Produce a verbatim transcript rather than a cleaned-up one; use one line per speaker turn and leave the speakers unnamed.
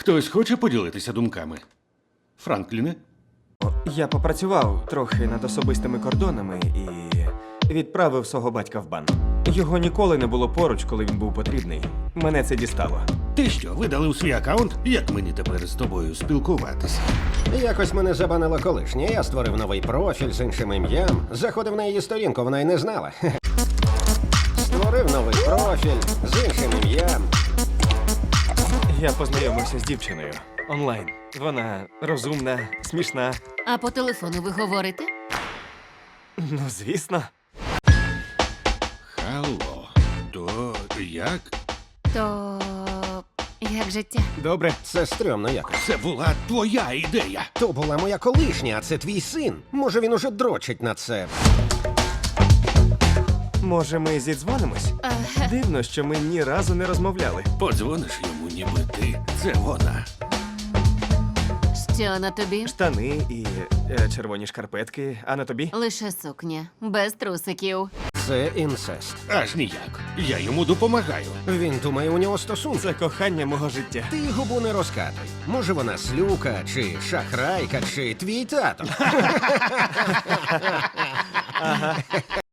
Хтось хоче поділитися думками? Франкліне?
Я попрацював трохи над особистими кордонами і відправив свого батька в бан. Його ніколи не було поруч, коли він був потрібний. Мене це дістало.
Ти що, видалив свій аккаунт? Як мені тепер з тобою спілкуватися?
Якось мене забанило колишнє. Я створив новий профіль з іншим ім'ям. Заходив на її сторінку, вона й не знала. Створив новий профіль з іншим ім'ям.
Я познайомився з дівчиною онлайн. Вона розумна, смішна.
А по телефону ви говорите?
Ну, звісно.
Алло, то як?
То як життя?
Добре.
Це стрьомно якось.
Це була твоя ідея.
То була моя колишня, а це твій син. Може, він уже дрочить на це.
Може, ми зідзвонимось? Дивно, що ми ні разу не розмовляли.
Подзвониш йому, ніби ти. Це вона.
Що на тобі?
Штани і е, червоні шкарпетки, а на тобі?
Лише сукня, без трусиків.
Це інцест.
Аж ніяк. Я йому допомагаю.
Він думає, у нього стосунки.
Це кохання мого життя.
Ти губу не розкатуй. Може, вона слюка, чи шахрайка, чи твій тато.